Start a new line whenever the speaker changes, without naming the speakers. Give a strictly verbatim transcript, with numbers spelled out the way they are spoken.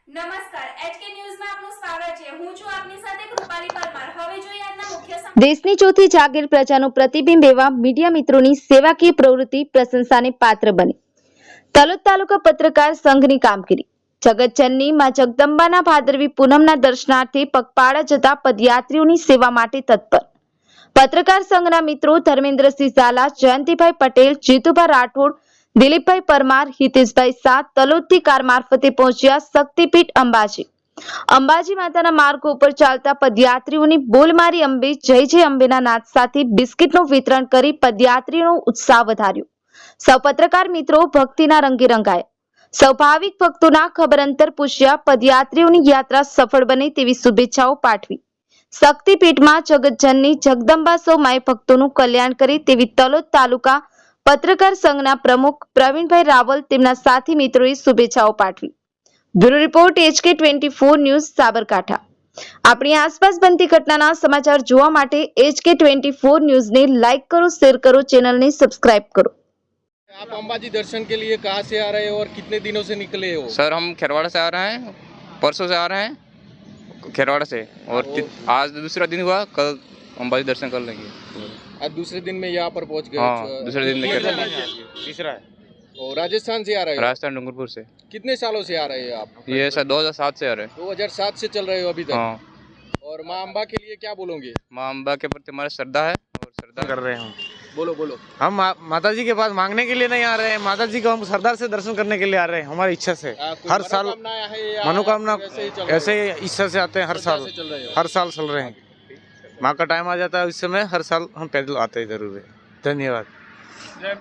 નમસ્કાર એચકે ન્યૂઝમાં આપનું સ્વાગત છે। હું છું આપની સાથે કૃપાલી પરમાર। હવે જોઈએ આજના મુખ્ય સમાચાર।
દેશની ચોથી જાગીર પ્રજાનું પ્રતિબિંબ એવા મીડિયા મિત્રોની સેવાકીય પ્રવૃત્તિ પ્રશંસાને પાત્ર બની। તલોદ તાલુકા પત્રકાર સંઘની કામગીરી। જગતજનની માં જગદંબાના ભાદરવી પૂનમના દર્શનાર્થે પગપાળા જતા પદયાત્રીઓની સેવા માટે તત્પર। પત્રકાર સંઘના મિત્રો ધર્મેન્દ્રસિંહ ઝાલા, જયંતિભાઈ પટેલ, જીતુભાઈ રાઠોડ, દિલીપભાઈ પરમાર, હિતેશભાઈ શાહ તલોદથી કાર મારફતે પહોંચ્યા શક્તિપીઠ અંબાજી। અંબાજી માતાના માર્ગો ઉપર ચાલતા પદયાત્રીઓની બોલ મારી અંબે જય જય અંબેના નાદ સાથે બિસ્કિટનું વિતરણ કરી પદયાત્રીઓનો ઉત્સાહ વધાર્યો। સૌ પત્રકાર મિત્રો ભક્તિના રંગે રંગાયા। સૌ ભાવિક ભક્તોના ખબર અંતર પૂછ્યા। પદયાત્રીઓની યાત્રા સફળ બને તેવી શુભેચ્છાઓ પાઠવી। શક્તિપીઠમાં જગતજનની જગદંબા સૌ માય ભક્તોનું કલ્યાણ કરે તેવી તલોદ તાલુકા પત્રકાર સંઘના પ્રમુખ પ્રવીણભાઈ રાવલ તેમના સાથી મિત્રોએ શુભેચ્છાઓ પાઠવી। Bureau report HK twenty four news Sabarkantha. આપણી આસપાસ બનતી ઘટનાના સમાચાર જોવા માટે એચકે ટ્વેન્ટી ફોર ન્યૂઝને લાઇક કરો, શેર કરો, ચેનલને સબસ્क्राइब करो।
आप अंबाजी दर्शन के लिए कहाँ से आ रहे हो और कितने दिनों से निकले हो?
सर हम खेरवाड़ा से आ रहे हैं, परसों से आ रहे हैं खेरवाड़ा से और आज दूसरा दिन हुआ, कल अंबाजी दर्शन कर लेंगे।
आज दूसरे दिन में यहाँ पर पहुँच गए।
हाँ, दूसरे दिन में कर
तीसरा है। और राजस्थान से आ रहे हो?
राजस्थान डूंगरपुर से।
कितने सालों से आ रहे हो आप?
ये सर दो हज़ार सात से आ रहे हैं।
दो हज़ार सात से चल रहे हो अभी तक।
हाँ।
और माँ अम्बा के लिए क्या बोलोगे?
माँ अम्बा के प्रति हमारा श्रद्धा है और श्रद्धा
कर रहे हैं हम
बोलो बोलो।
हम मा, माता जी के पास मांगने के लिए नहीं आ रहे हैं, माता जी को हम सरदार से दर्शन करने के लिए आ रहे हैं, हमारी इच्छा से।
आ, कोई
हर साल
मनोकामना है या
मनोकामना
ऐसे ही चल रहे हो?
ऐसे ही इच्छा से आते हैं, हर
श्रद्धा
साल
से चल रहे हो?
हर साल चल रहे हैं। माँ का टाइम आ जाता है, इस समय हर साल हम पैदल आते हैं जरूर है। धन्यवाद।